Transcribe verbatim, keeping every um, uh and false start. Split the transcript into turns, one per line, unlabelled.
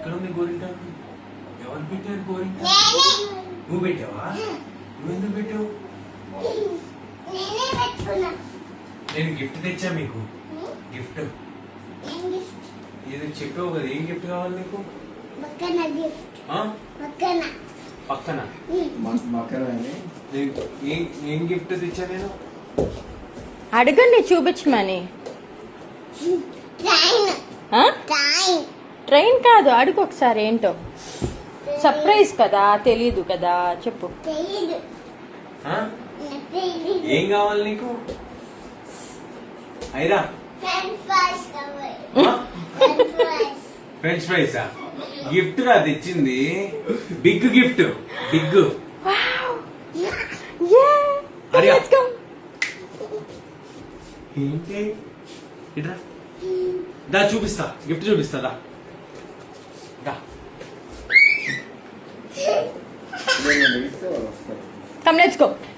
ఎక్కడ ఉంది గోరింటాకు? ఎవరు పెట్టారు గోరింటాకు? నువ్వు పెట్టావా? నువ్వు ఎందుకు పెట్టావు? నేను గిఫ్ట్ తెచ్చా మీకు. గిఫ్ట్ ఇది చెప్పావు కదా, ఏం గిఫ్ట్ కావాలి నీకు? పక్కన ఏం గిఫ్ట్ తెచ్చా నేను?
అడగండి చూపించమని. ట్రైన్ కాదు, అడుగు ఒకసారి ఏంటో. సర్ప్రైజ్ కదా, తెలీదు కదా, చెప్పు.
ఏం కావాలి నీకు? అయిరా ఫ్రెంచ్ ఫ్రైసా? గిఫ్ట్ రా తెచ్చింది, బిగ్ గిఫ్ట్, బిగ్. ఏంటి ఇట్రా, దా చూపిస్తా, గిఫ్ట్ చూపిస్తా, దా దా.
Come, let's go.